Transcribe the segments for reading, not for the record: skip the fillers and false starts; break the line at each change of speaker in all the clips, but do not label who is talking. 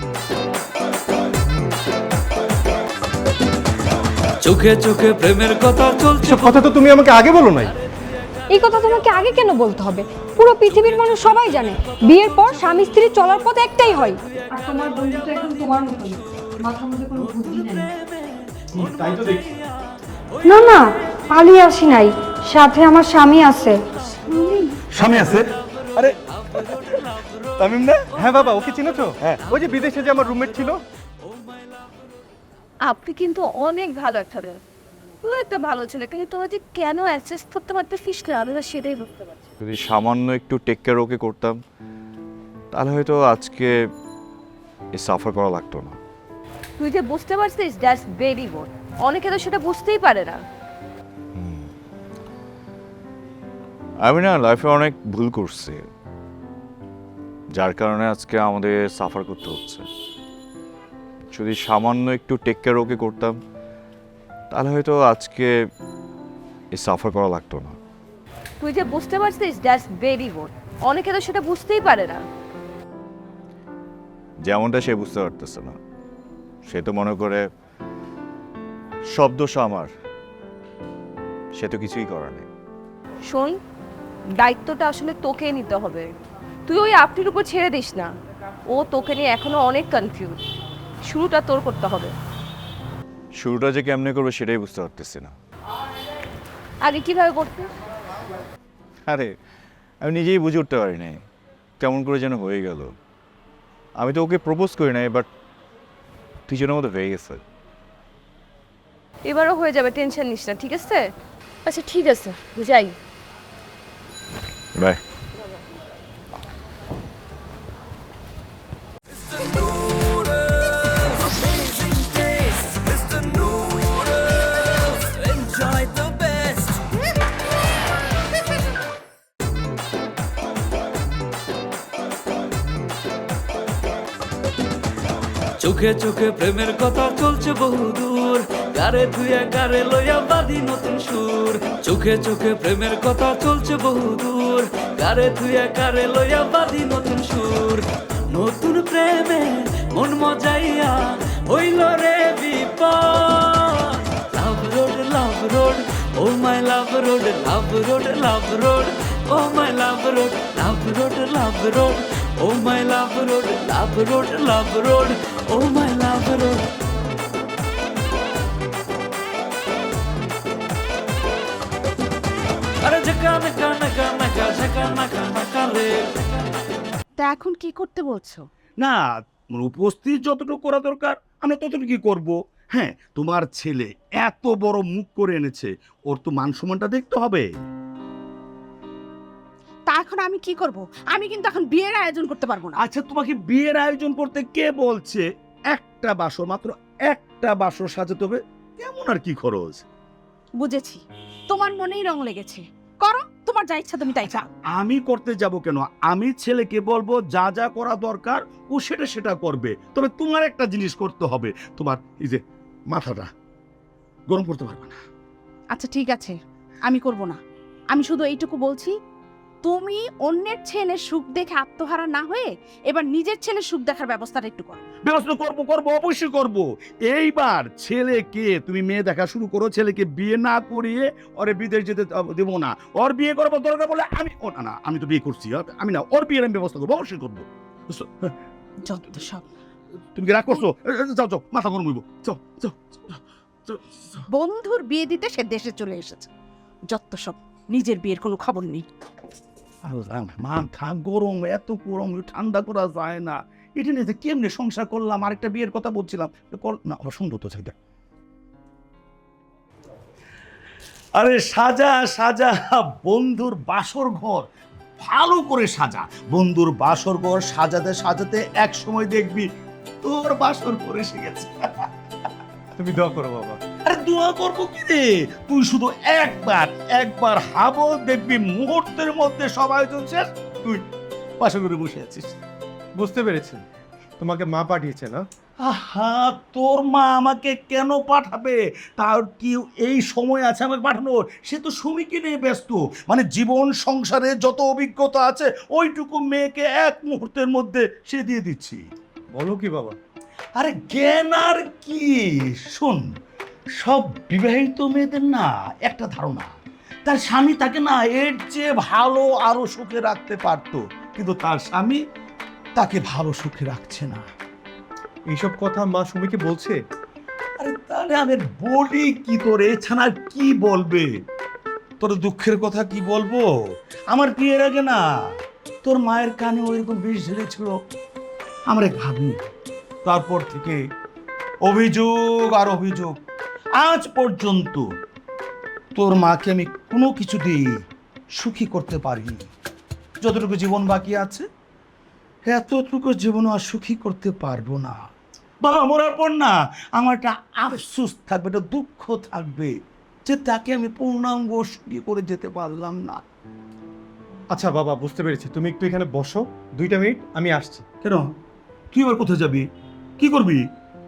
চোখে চোখে প্রেমের কথা চলছে।
কথা তো তুমি আমাকে আগে বলো নাই।
এই কথা তোমাকে আগে কেন বলতে হবে? পুরো পৃথিবীর মানুষ সবাই জানে বিয়ের পর স্বামী স্ত্রী চলার পথ একটাই হয়। আর তোমার বন্ধু তো এখন তোমার মতই, মাথার মধ্যে কোনো বুদ্ধি নেই।
তাই তো দেখি।
না না, পালিয়ে আসি নাই, সাথে আমার স্বামী আছে।
স্বামী আছে? আরে তামিম না? হ্যাঁ বাবা, ওকে চিনো তো? হ্যাঁ, ওই যে বিদেশে যে আমার রুমমেট ছিল।
আপনি কিন্তু অনেক ভালো একটা দেন, পুরো একটা ভালো ছেলে, কিন্তু তোমরা যে কেন অ্যাডজাস্ট করতে পারতেছিস না আমি সেটাই বুঝতে পারছি।
যদি সামান্য একটু টেক কেয়ার ওকে করতাম তাহলে হয়তো আজকে এই সাফার করা লাগতো না।
তুই যে বুঝতে পারছিস দ্যাটস ভেরি গুড, অনেকে তো সেটা বুঝতেই পারে না।
আমি না লাইফে অনেক ভুল করছি, যার কারণে আজকে আমাদের সাফার করতে হচ্ছে। যদি সামান্য একটু টেক কেয়ার ওকে করতাম তাহলে হয়তো আজকে এই সাফার করা লাগতো না।
তুই যে বুঝতে পারছিস দ্যাটস ভেরি গুড, অনেকে তো সেটা বুঝতেই পারে না।
যেমনটা সে বুঝতে পারতেছে না, সে তো মনে করে সব দোষ আমার, সে তো কিছুই করার নেই।
শোন, দায়িত্বটা আসলে তোকে নিতে হবে, তুই ওই আপনির উপর ছেড়ে দিস না। ও তোকে নিয়ে এখনো অনেক কনফিউজ, শুরুটা তোর করতে হবে।
শুরুটা যে কেমনে করবে সেটাই বুঝতে পারতেছি না।
আগে কিভাবে করতে?
আরে আমি নিজেই বুঝে উঠতে পারি নাই কেমন করে যেন হয়ে গেল। আমি তো ওকে প্রপোজ করি নাই, বাট তুই যেন মতো হয়ে গেছে।
এবারও হয়ে যাবে, টেনশন নিস না, ঠিক আছে? আচ্ছা ঠিক আছে, যাই।
বাই।
চোখে চোখে প্রেমের কথা চলছে বহুদূর, গারে ধুয়ে গারে লইয়া বাঁধি নতুন সুর। চোখে চোখে প্রেমের কথা চলছে বহুদূর, গারে ধুয়ে গারে লইয়া বাঁধি নতুন সুর। নতুন প্রেমে মন মজাইয়া হইল রে বিপদ। Love road oh my love road, love road oh my love road, love road oh my love road, love road oh my love road. আরে ঝকা নাকা নাকা নাকা ঝকা নাকা নাকা রে।
তা এখন কি করতে বলছো?
না, উপস্থিত যতটুকু করা দরকার আমরা ততটুকু করব। হ্যাঁ, তোমার ছেলে এত বড় মুখ করে এনেছে, ওর তো মান সম্মানটা দেখতে হবে।
তা এখন আমি কি করব? আমি কিন্তু এখন বিয়ের আয়োজন করতে পারবো না।
আচ্ছা, তোমাকে বিয়ের আয়োজন করতে কে বলছে? একটা বাসর, মাত্র একটা বাসর সাজাতে হবে, কেমন আর কি খরচ?
বুঝেছি, তোমার মনেই রং লেগেছে, করো, তোমার যা ইচ্ছা তুমি তাই চাও।
আমি করতে যাব কেন? আমি ছেলেকে বলবো যা যা করা দরকার ও সেটা সেটা করবে। তবে তোমার একটা জিনিস করতে হবে, তোমার এই যে মাথাটা গরম করতে পারবে না।
আচ্ছা ঠিক আছে, আমি করব না। আমি শুধু এইটুকু বলছি, তুমি অন্যের ছেলের সুখ দেখে আত্মহারা না হয়ে এবার নিজের ছেলের সুখ দেখার ব্যবস্থাটা একটু করো।
ব্যবস্থা করবো, অবশ্যই করব। এইবার ছেলেকে তুমি মেয়ে দেখা শুরু করো, ছেলেকে বিয়ে না করিয়ে ওরে বিদেশ যেতে দেবো না। ওর বিয়ে করবো দরকার বলে আমি, ও না, আমি তো বিয়ে করছি, আমি না, ওর বিয়ের আমি ব্যবস্থা করবো, অবশ্যই করবো।
যত সব
তুমি কি রাগ করছো? যাও যাও, মাথা গরম হইব, যাও যাও।
বন্ধুর বিয়ে দিতে সে দেশে চলে এসেছে, যত সব, নিজের বিয়ের কোনো খবর নেই।
মাথা গরম, এত গরম ঠান্ডা করা যায় না। এটা নিয়ে কেমনে সংসার করলাম, আরেকটা বিয়ের কথা বলছিলাম না, সুন্দর তো চাইটা। আরে সাজা সাজা, বন্ধুর বাসর ঘর ভালো করে সাজা। বন্ধুর বাসর ঘর সাজাতে সাজাতে এক সময় দেখবি তোর বাসর করে এসে গেছে।
তুমি দোয়া করো বাবা।
আরে দোয়া করবো কি রে, তুই শুধু একবার হাবো, দেখবি মুহূর্তের মধ্যে সব আয়োজন শেষ, তুই বাসর ঘরে বসে আছিস।
বুঝতে পেরেছি, তোমাকে মা পাঠিয়েছে না?
আহা, তোর মা আমাকে কেন পাঠাবে? তার কি এই সময় আছে আমাকে পাঠানোর? সে তো সুমিকে নিয়ে ব্যস্ত। মানে জীবন সংসারে যত অভিজ্ঞতা আছে ওইটুকু মেয়েকে এক মুহূর্তের মধ্যে সে দিয়ে দিচ্ছি।
বলো কি বাবা?
আরে জ্ঞান আর কি, শোন, সব বিবাহিত মেয়েদের না একটা ধারণা, তার স্বামী তাকে না এর চেয়ে ভালো আরো সুখে রাখতে পারতো, কিন্তু তার স্বামী তাকে ভালো সুখে রাখছে না।
এইসব কথা মা সুমিকে বলছে?
আরে তাহলে আমি বলি কি, তোর এছাড়া কি বলবে? তোর দুঃখের কথা কি বলবো? আমার বিয়ের আগে না তোর মায়ের কানে ওইরকম বিষ ঝেড়েছিল, আমরা ভাবি। তারপর থেকে অভিযোগ আর অভিযোগ, আজ পর্যন্ত তোর মাকে আমি কোনো কিছু দিয়ে সুখী করতে পারিনি। যতটুকু জীবন বাকি আছে এতটুকু জীবন আর সুখী করতে পারবো না। বাবা মরার পর না আমার একটা আফসোস থাকবে, একটা দুঃখ থাকবে যে তাকে আমি পূর্ণাঙ্গ সুখী করে যেতে পারলাম না।
আচ্ছা বাবা, বুঝতে পেরেছি, তুমি একটু এখানে বসো 2টা মিনিট, আমি আসছি।
কেন, তুই আবার কোথায় যাবি, কি করবি?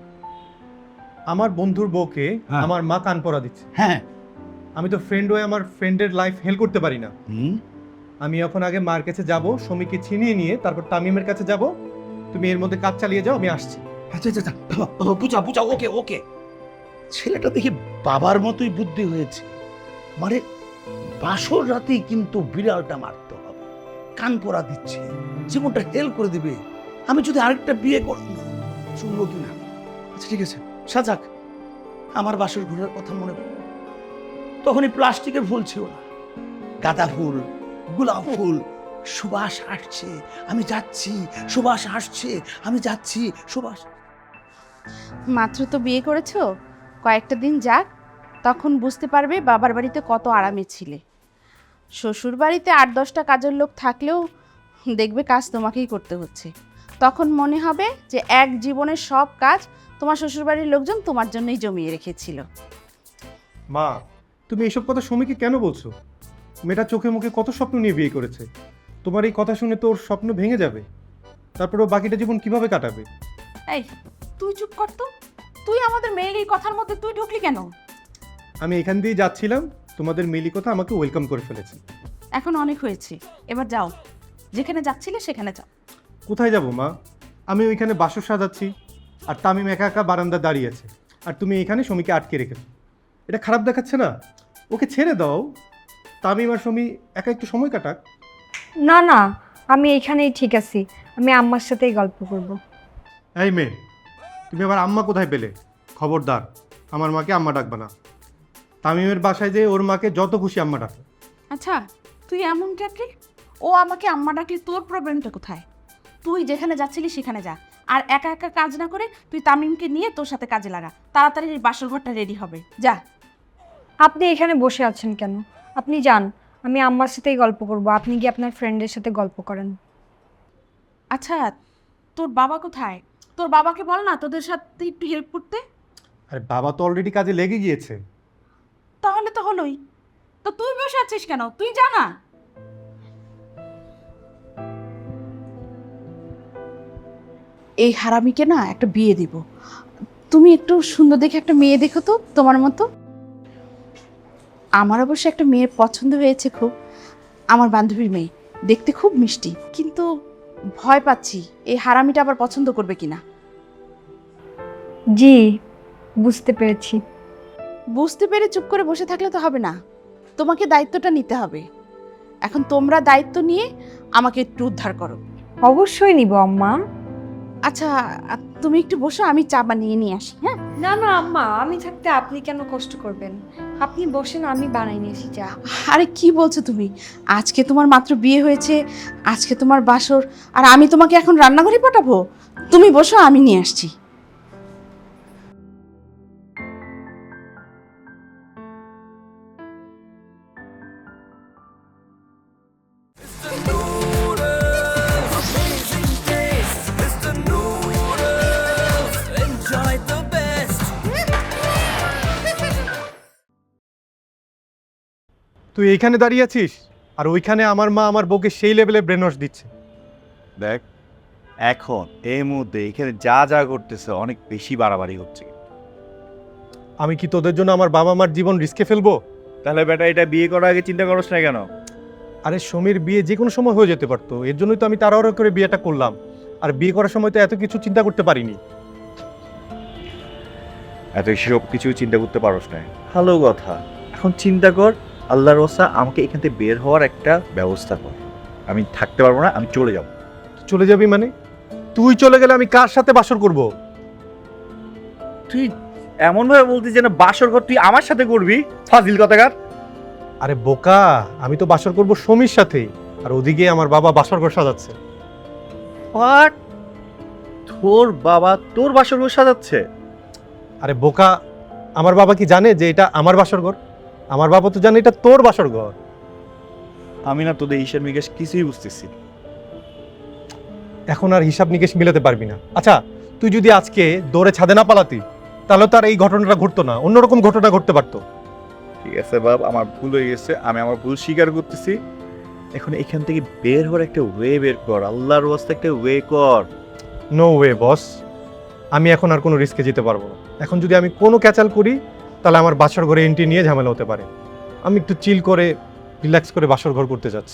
আমার বন্ধুর বউকে
হ্যাঁ।
আমার মা কান পরা দিচ্ছে।
হ্যাঁ।
আমি তো ফ্রেন্ড হয়ে আমার ফ্রেন্ডের লাইফ হেল্প করতে পারি না।
হুম।
আমি এখন আগে মার কাছে যাব, সমীকে ছিনিয়ে নিয়ে তারপর তামিমের কাছে যাব। তুমি এর মধ্যে কাজ চালিয়ে যাও, আমি আসছি।
আচ্ছা আচ্ছা আচ্ছা, বুঝা বুঝা, ওকে ওকে। ছেলেটা দেখি বাবার মতোই বুদ্ধি হয়েছে, মানে বাসর রাতেই কিন্তু বিড়ালটা মারতে হবে, কান পরা দিচ্ছে, জীবনটা হেল করে দিবে। আমি যদি আরেকটা বিয়ে করি না, শুনবো কি না? আচ্ছা ঠিক আছে, সাজাক। আমার বাসর ঘরের কথা মনে পড়ে, তখনই প্লাস্টিকের ফুল ছিল না, গাঁদা ফুল, গোলাপ ফুল, সুবাস আসছে, আমি যাচ্ছি, সুবাস আসছে, আমি যাচ্ছি, সুবাস।
মাত্র তো বিয়ে করেছো, কয়েকটা দিন যাক, তখন বুঝতে পারবে বাবার বাড়িতে কত আরামে ছিলে। শ্বশুর বাড়িতে 8-10টা কাজের লোক থাকলেও দেখবে কাজ তোমাকেই করতে হচ্ছে। তখন মনে হবে যে এক জীবনের সব কাজ তোমার শ্বশুরবাড়ির লোকজন তোমার জন্যই জমিয়ে রেখেছিল।
মা, তুমি এইসব কথা সুমিকে কেন বলছো? মেয়েটা চোখে মুখে কত স্বপ্ন নিয়ে বিয়ে করেছে। তোমার এই কথা শুনে তো ওর স্বপ্ন ভেঙে যাবে, তারপরে ও বাকিটা জীবন কিভাবে কাটাবে?
এই তুই চুপ কর তো, তুই আমাদের মেয়ের এই কথার মধ্যে তুই ঢুকলি কেন?
আমি এখান দিয়ে যাচ্ছিলাম, তোমাদের মিলি কথা আমাকে ওয়েলকাম করে ফেলেছে।
এখন অনেক হয়েছে, এবার যাও, যেখানে যাচ্ছিলে সেখানে যাও।
কোথায় যাব মা? আমি ওইখানে বাসর সাজাচ্ছি, আর তামিম একা একা বারান্দা দাঁড়িয়ে আছে, আর তুমি এখানে সমীকে আটকে রেখেছো। এটা খারাপ দেখাচ্ছে না? ওকে ছেড়ে দাও, তামিম আর সমী একা একটু সময় কাটাক।
না না, আমি এখানেই ঠিক আছি, আমি আম্মার সাথেই গল্প করব।
এই মেয়ে, তুমি আমার আম্মা কোথায় পেলে? খবরদার, আমার মাকে আম্মা ডাকবে না। তামিমের বাসায় যে ওর মাকে যত খুশি আম্মা ডাকে।
আচ্ছা তুই এমন ডাকলি, ও আমাকে আম্মা ডাকলি, তোর প্রবলেমটা কোথায়? তুই যেখানে যাচ্ছিলি সেখানে যা, আর একা একা কাজ না করে তুই তামিমকে নিয়ে তোর সাথে কাজে লাগা, তাড়াতাড়ি এই বাসর ঘরটা রেডি হবে, যা।
আপনি এখানে বসে আছেন কেন? আপনি যান, আমি আম্মার সাথেই গল্প করব, আপনি গিয়ে আপনার ফ্রেন্ডের সাথে গল্প করেন।
আচ্ছা তোর বাবা কোথায়? তোর বাবাকে বল না তোদের সাথে একটু হেল্প করতে।
আরে বাবা তো অলরেডি কাজে লেগে গিয়েছে।
তাহলে তো হলোই, তো তুই বসে আছিস কেন? তুই যা না। এই হারামিকে না একটা বিয়ে দিব। তুমি একটু সুন্দর দেখে একটা মেয়ে দেখো তো তোমার মতো। আমার অবশ্য একটা মেয়ের পছন্দ হয়েছে খুব, আমার বান্ধবীর মেয়ে, দেখতে খুব মিষ্টি, কিন্তু ভয় পাচ্ছি এই হারামিটা আবার পছন্দ করবে কিনা।
জি, বুঝতে পেরেছি।
বুঝতে পেরে চুপ করে বসে থাকলে তো হবে না, তোমাকে দায়িত্বটা নিতে হবে। এখন তোমরা দায়িত্ব নিয়ে আমাকে একটু উদ্ধার করো।
অবশ্যই নিব আম্মা।
আচ্ছা তুমি একটু বসো, আমি চা বানিয়ে নিয়ে আসি। হ্যাঁ
না না আম্মা, আমি থাকতে আপনি কেন কষ্ট করবেন? আপনি বসেন, আমি বানাই নিয়ে আসি চা।
আরে কি বলছো তুমি? আজকে তোমার মাত্র বিয়ে হয়েছে, আজকে তোমার বাসর, আর আমি তোমাকে এখন রান্নাঘরে পাঠাবো? তুমি বসো, আমি নিয়ে আসছি।
তুই এইখানে দাঁড়িয়ে আছিস, আর ওইখানে আমার মা আমার বউকে সেই লেভেলে ব্রেন ওয়াশ দিচ্ছে।
দেখ, এখন এই মুহূর্তে এখানে যা যা করতেছে অনেক বেশি বাড়াবাড়ি হচ্ছে।
আমি কি তোদের জন্য আমার বাবা মার জীবন রিস্কে ফেলবো?
তাহলে বেটা এটা বিয়ে করার আগে চিন্তা করছ না কেন?
আরে সমীর বিয়ে যে কোনো সময় হয়ে যেতে পারতো, এর জন্যই তো আমি তাড়াহুড়ো করে বিয়েটা করলাম। আর বিয়ে করার সময় তো এত কিছু চিন্তা করতে পারিনি।
এত সব কিছু চিন্তা করতে পারোস না, ভালো কথা। এখন চিন্তা কর, আল্লাহর ওসা আমাকে এখান থেকে বের হওয়ার একটা ব্যবস্থা কর। আমি থাকতে পারবো না, আমি চলে যাব।
চলে যাবি মানে? তুই চলে গেলে আমি কার সাথে বাসর করব?
তুই এমন ভাবে বলতিস যেন বাসর ঘর তুই আমার সাথে করবি, ফাজিল কথাকার।
আরে বোকা, আমি তো বাসর করব সমীর সাথে, আর ওদিকে আমার বাবা বাসর ঘর সাজাচ্ছে।
হোয়াট? তোর বাবা তোর বাসর ঘর সাজাচ্ছে?
আরে বোকা, আমার বাবা কি জানে যে এটা আমার বাসর ঘর? আমার বাবা তো জানে এটা তোর বাসর ঘর।
আমি না তোদের হিসাব নিকেশ কিছুই বুঝতেছি না।
এখন আর হিসাব নিকেশ মিলাতে পারবি না। আচ্ছা, তুই যদি আজকে দৌড়ে ছাদে না পালাতি, তাহলে তো আর এই ঘটনাটা ঘটতো না, অন্যরকম ঘটনা ঘটতে পারতো।
ঠিক আছে বাপ, আমার ভুল হয়ে গেছে, আমি আমার ভুল স্বীকার করতেছি। এখন এখান থেকে বের হওয়ার একটা ওয়ে বের কর, আল্লাহর ওয়াস্তে একটা ওয়ে কর।
নো ওয়ে বস, আমি এখন আর কোনো রিস্কে যেতে পারবো না। এখন যদি আমি কোনো ক্যাচাল করি, তাহলে আমার বাসর ঘরে এন্ট্রি নিয়ে ঝামেলা হতে পারে। আমি একটু চিল করে রিল্যাক্স করে বাসর ঘর করতে যাচ্ছি।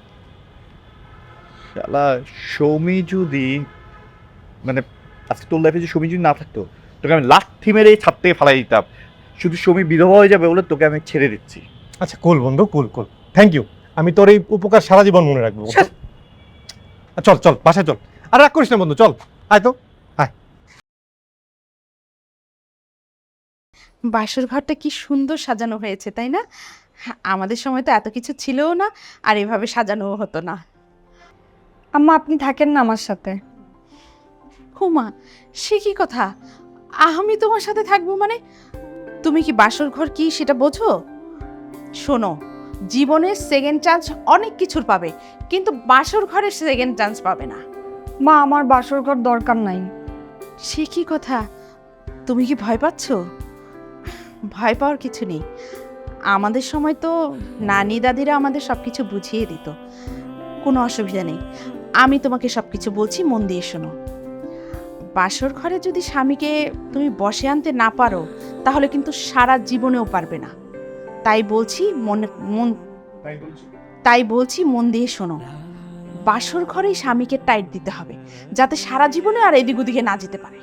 শালা সৌমি যদি মানে আজকে তোর লাইফে যে সৌমি যদি না থাকতো, তোকে আমি লাথি মেরে এই ছাদ থেকে ফালাই দিতাম। শুধু সৌমি বিধবা হয়ে যাবে বলে তোকে আমি ছেড়ে দিচ্ছি।
আচ্ছা কুল বন্ধু, কুল কুল, থ্যাংক ইউ। আমি তোর এই উপকার সারা জীবন মনে রাখবো। চল চল বাসায় চল, আর রাগ করিস না বন্ধু, চল আয় তো।
বাসর ঘরটা কি সুন্দর সাজানো হয়েছে, তাই না? আমাদের সময় তো এত কিছু ছিলও না, আর এভাবে সাজানোও হতো না।
আম্মা আপনি থাকেন না আমার সাথে?
হুমা, সে কি কথা? আমি তোমার সাথে থাকবো মানে? তুমি কি বাসর ঘর কি সেটা বোঝো? শোনো, জীবনে সেকেন্ড চান্স অনেক কিছুর পাবে, কিন্তু বাসর ঘরের সেকেন্ড চান্স পাবে না।
মা আমার বাসর ঘর দরকার নাই।
সে কি কথা? তুমি কি ভয় পাচ্ছ? ভয় পাওয়ার কিছু নেই। আমাদের সময় তো নানি দাদিরা আমাদের সব কিছু বুঝিয়ে দিত, কোনো অসুবিধা নেই। আমি তোমাকে সব কিছু বলছি, মন দিয়ে শোনো। বাসর ঘরে যদি স্বামীকে তুমি বসে আনতে না পারো, তাহলে কিন্তু সারা জীবনেও পারবে না। তাই বলছি মন দিয়ে শোনো। বাসর ঘরেই স্বামীকে টাইট দিতে হবে, যাতে সারা জীবনে আর এদিক ওদিকে না যেতে পারে।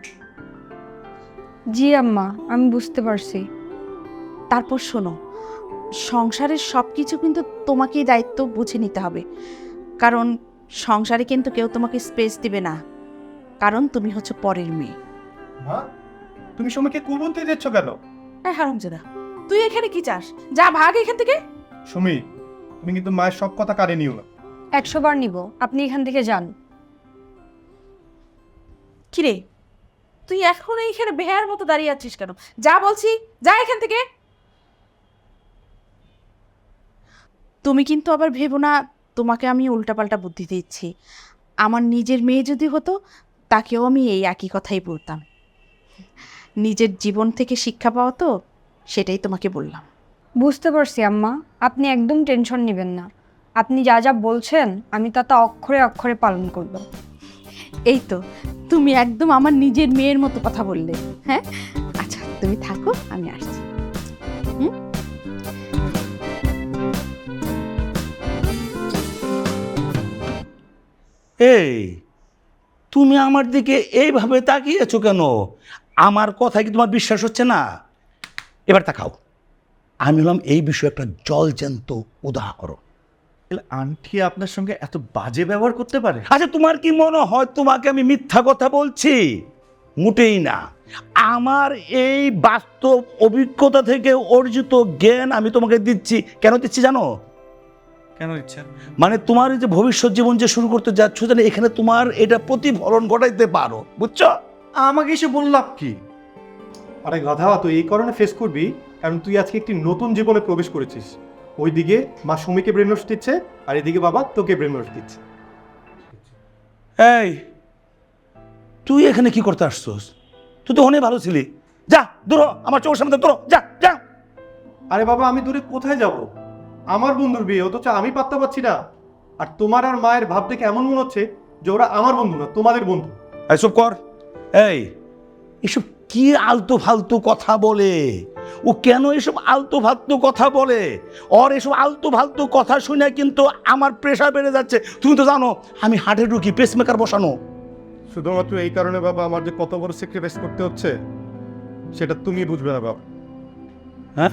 জি আম্মা, আমি বুঝতে পারছি।
তারপর শোনো, সংসারের সব কিছু কিন্তু তোমাকেই দায়িত্ব বুঝে নিতে হবে, কারণ সংসারে কিন্তু কেউ তোমাকে স্পেস দিবে না, কারণ তুমি হচ্ছে পরের মেয়ে।
মা, তুমি সময়কে কুল বলতে যাচ্ছ কেন?
হ্যাঁ হারামজাদা, তুই এখানে কি চাস? যা ভাগ এখান থেকে।
সুমি, তুমি কিন্তু মায়ের সব কথা কানে নিও না।
100 বার নিব, আপনি এখান থেকে যান।
কিরে, তুই এখন এইখানে বেহার মতো দাঁড়িয়ে আছিস কেন? যা বলছি, যা এখান থেকে। তুমি কিন্তু আবার ভেবো না তোমাকে আমি উল্টাপাল্টা বুদ্ধি দিচ্ছি। আমার নিজের মেয়ে যদি হতো, তাকেও আমি এই একই কথাই বলতাম। নিজের জীবন থেকে শিক্ষা পাওয়া তো, সেটাই তোমাকে বললাম।
বুঝতে পারছি আম্মা, আপনি একদম টেনশন নেবেন না। আপনি যা যা বলছেন আমি তা অক্ষরে অক্ষরে পালন করব।
এই তো, তুমি একদম আমার নিজের মেয়ের মতো কথা বললে। হ্যাঁ, আচ্ছা তুমি থাকো, আমি আসছি।
এই তুমি আমার দিকে এইভাবে তাকিয়েছো কেন? আমার কথা কি তোমার বিশ্বাস হচ্ছে না? এবার তাকাও, আমি হলাম এই বিষয়ে একটা জলজ্যান্ত উদাহরণ।
আন্টি আপনার সঙ্গে এত বাজে ব্যবহার করতে পারে?
আচ্ছা, তোমার কি মনে হয় তোমাকে আমি মিথ্যা কথা বলছি? মোটেই না। আমার এই বাস্তব অভিজ্ঞতা থেকে অর্জিত জ্ঞান আমি তোমাকে দিচ্ছি। কেন দিচ্ছি জানো?
কেন ইচ্ছা?
মানে তোমার এই যে ভবিষ্যৎ জীবন যে শুরু করতে যাচ্ছ, জানো এখানে তোমার এটা প্রতিফলন ঘটাইতে পারো, বুঝছো?
আমাকে এসে বললাম কি?
আরে গাধা, তুই এই কারণে ফেস করবি কারণ তুই আজকে একটি নতুন জীবনে প্রবেশ করেছিস। ওইদিকে মা সুমিকে ব্রেন ওয়াশ দিচ্ছে, আর এদিকে বাবা তোকে ব্রেন ওয়াশ দিচ্ছে।
এই তুই এখানে কি করতে আসছস? তুই তো অনেক ভালো ছিলি। যা দূর হ, আমার চোখের সামনে দূর হ, যা যা।
আরে বাবা, আমি দূরে কোথায় যাব? আমার বন্ধুর বিয়ে, অথচ আমি পাত্তা পাচ্ছি না। আর তোমার আর মায়ের ভাব দেখে এমন মনে হচ্ছে যে ওরা আমার বন্ধু না, তোমাদের বন্ধু।
এসব কর। এই এসব কি আলতু ফালতু কথা বলে? ও কেন এসব আলতু ফালতু কথা বলে? ওর এসব আলতু ফালতু কথা শুনে কিন্তু আমার প্রেশার বেড়ে যাচ্ছে। তুমি তো জানো আমি হার্টের রুগী, পেসমেকার বসানো।
শুধুমাত্র এই কারণে বাবা আমার যে কত বড় স্যাক্রিফাইস করতে হচ্ছে সেটা তুমি বুঝবে না বাবা।
হ্যাঁ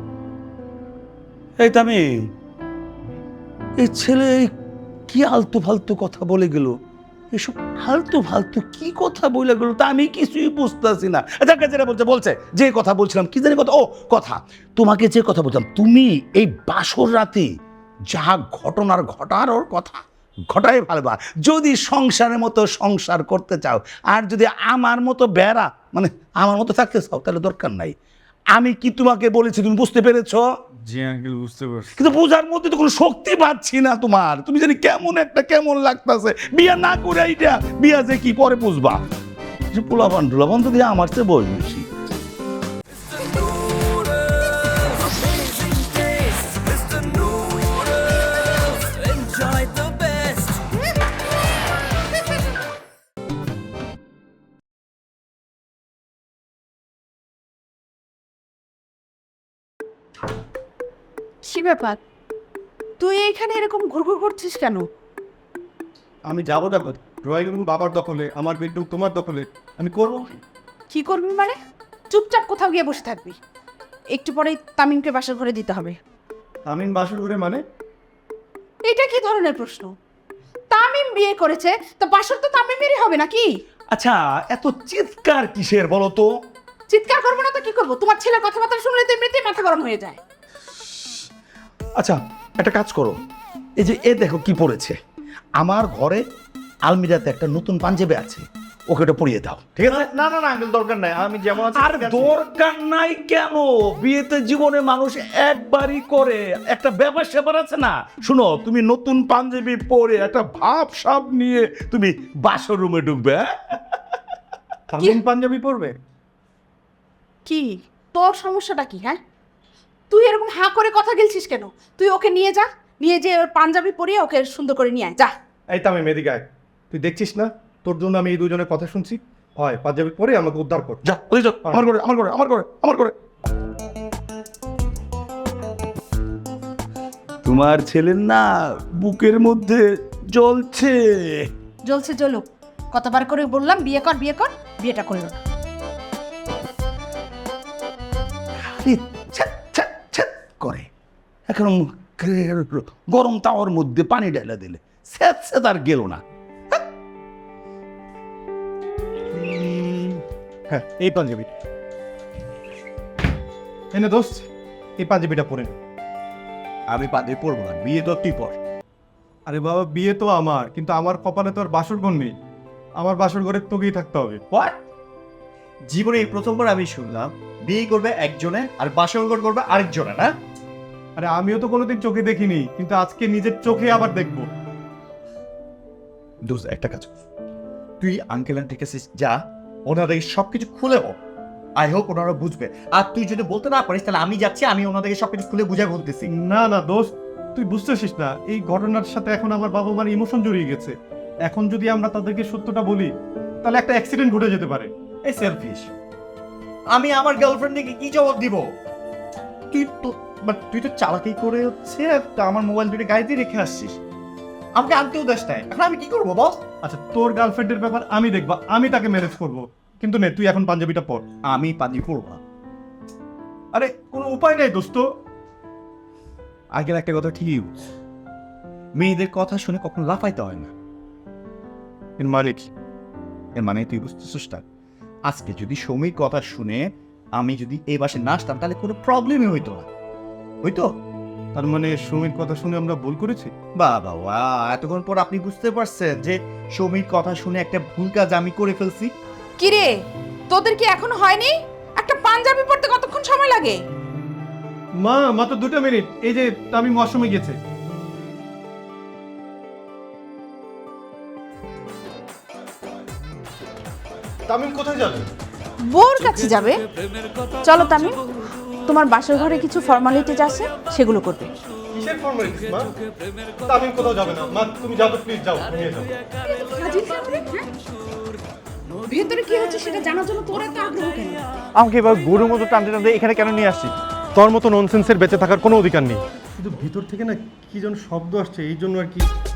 এই তামিম, এই ছেলে কি আলতু ফালতু কথা বলে গেল, এসব ফালতু ফালতু কি কথা বলে গেল তা আমি কিছুই বুঝতেছি না। যাকে যেটা বলছে যে কথা বলছিলাম, কি জানি কথা, ও কথা তোমাকে যে কথা বলছিলাম, তুমি এই বাসর রাতে যা ঘটনার ঘটার ওর কথা ঘটাই ফেলবা। যদি সংসারের মতো সংসার করতে চাও, আর যদি আমার মতো বেড়া মানে আমার মতো থাকতে চাও, তাহলে দরকার নাই। আমি কি তোমাকে বলেছি, তুমি বুঝতে পেরেছো?
জি আঙ্কেল, বুঝতে পারছি।
কিন্তু বোঝার মধ্যে তো কোনো শক্তি পাচ্ছি না তোমার। তুমি জানি কেমন লাগতেছে। বিয়া না করে এইটা বিয়া যে কি পরে বুঝবা। যে পোলাপান তো দিয়ে আমার চেয়ে বয়স বেশি।
কি ব্যাপার, তুই এইখানে এরকম ঘুরঘুর করছিস কেন?
আমি যাবো না, ড্রয়িং রুম বাবার দখলে, আমার বেডরুম তোমার দখলে, আমি করবো।
কি করবি মানে? চুপচাপ কোথাও গিয়ে বসে থাকবি। একটু পরেই তামিমকে বাসার ঘরে দিতে হবে।
আমি বাসর ঘরে মানে?
এটা কি ধরনের প্রশ্ন? তামিম বিয়ে করেছে, তো বাসর তো তামিমেরই হবে নাকি?
আচ্ছা, এত চিৎকার কিসের বলো তো?
চিৎকার করবো না তো কি করবো? তোমার ছেলের কথাবার্তা শুনলে তো এমনিতেই মাথা গরম হয়ে যায়।
আচ্ছা, একটা কাজ করো, এই যে দেখো কি পড়েছে। আমার ঘরে আলমিরাতে একটা নতুন পাঞ্জাবি আছে, ওকে ওটা পরিয়ে দাও, ঠিক আছে?
না না না আঙ্কেল, দরকার নাই, আমি যেমন আছি
আর দরকার নাই কেন? বিয়েতে জীবনে মানুষ একবারই করে, একটা ব্যাপার স্যাপার আছে না। শুনো, তুমি নতুন পাঞ্জাবি পরে একটা ভাব সাব নিয়ে তুমি বাসর রুমে ঢুকবে। হ্যাঁ?
তামিম পাঞ্জাবি পরবে?
কি তোর সমস্যাটা কি? হ্যাঁ, তুই এরকম হাঁ করে কথা গেলছিস কেন? তুই ওকে নিয়ে যা, নিয়ে যে ওর পাঞ্জাবি পরিয়ে ওকে সুন্দর করে নিয়ে আয়, যা।
এই তামিম এদিকে আয়। তুই দেখছিস না তোর জন্য আমি এই দুজনের কথা শুনছি? হয় পাঞ্জাবি পরে আমাকে উদ্ধার কর।
যা, ওই যা, আমার ঘরে। তোমার ছেলের না বুকের মধ্যে জ্বলছে।
জ্বলছে জ্বলুক, কতবার করে বললাম বিয়ে কর, বিয়েটা করলো না।
করে এখন গরম তাওয়ার মধ্যে পানি ঢেলে দিলে স্যাঁত আর গেল না।
হ্যাঁ, এই পাঞ্জাবি এনে দোস্ত, এই পাঞ্জাবিটা পরে নে।
আমি পাঞ্জাবি পরবো না, বিয়ে তো তুই পর।
আরে বাবা, বিয়ে তো আমার, কিন্তু আমার কপালে তো আর বাসর ঘর নেই। আমার বাসর ঘরে তোকেই থাকতে হবে।
জীবনে এই প্রথমবার আমি শুনলাম বিয়ে করবে একজনে আর বাসর করবে আরেকজনে, না?
আরে আমিও তো কোনোদিন চোখে দেখিনি, কিন্তু আজকে নিজের চোখে আবার দেখবো।
দোস্ত, একটা কাজ কর, তুই আঙ্কেল আন্টির কাছে যা, ওনাদের সবকিছু খুলে হোক, আই হোপ ওনারা বুঝবে। আর তুই যদি বলতে না পারিস তাহলে আমি যাচ্ছি, আমি ওনাদেরকে সবকিছু খুলে বুঝে বলতেছি।
না না দোস্ত, তুই বুঝতেছিস না, এই ঘটনার সাথে এখন আমার বাবা মার ইমোশন জড়িয়ে গেছে। এখন যদি আমরা তাদেরকে সত্যটা বলি তাহলে একটা অ্যাক্সিডেন্ট ঘটে যেতে পারে।
এই সেলফিশ, আমি আমার গার্লফ্রেন্ডকে কি জবাব দিব? তুই তো চালাকি করে হচ্ছে আমার মোবাইল দুটো গাড়িতে রেখে আসছিস, আমাকে আনতেও দেশ নাই। এখন আমি কি করবো বস?
আচ্ছা, তোর গার্লফ্রেন্ডের ব্যাপার আমি দেখবো, আমি তাকে ম্যানেজ করবো, কিন্তু নে তুই এখন পাঞ্জাবিটা পর।
আমি পাঞ্জাবি পরবো না।
আরে কোনো উপায় নেই দোস্ত।
আগের একটা কথা ঠিকই বলছ, মেয়েদের কথা শুনে কখনো লাফাইতে হয় না।
এর মানে কি?
এর মানে তুই বুঝতেছিস না, আজকে যদি সৌমির কথা শুনে আমি যদি এই বাসে না আসতাম তাহলে কোনো প্রবলেমই হইতো না, হইতো?
তার মানে সুমির কথা শুনে আমরা ভুল করেছি?
বাবা, এতক্ষণ পর আপনি বুঝতে পারছেন যে সৌমির কথা শুনে একটা ভুল কাজ আমি করে ফেলছি।
কিরে, তোদের কি এখনো হয়নি? একটা পাঞ্জাবি পরতে কতক্ষণ সময় লাগে?
মা, মাত্র 2 মিনিট। এই যে তামিম ওয়াশরুমে গেছে। তামিম কোথায় যাবে?
বোর কাছে যাবে। চলো তামিম, তোমার বাসর ঘরে কিছু ফর্মালিটিজ আছে, সেগুলো করবে।
কিসের ফর্মালিটিস মা? তামিম কোথাও যাবে না মা, তুমি যাও তো প্লিজ, যাও নিয়ে যাও।
ভেতরে কি হচ্ছে সেটা জানার জন্য তোর এত আগ্রহ কেন?
আমাকে এবার গরুর মতো টানতে টানতে এখানে কেন নিয়ে আসছি?
তোর মতো ননসেন্সের বেঁচে থাকার কোনো অধিকার নেই। কিন্তু ভিতর থেকে না কি যেন শব্দ আসছে, এই জন্য আর কি।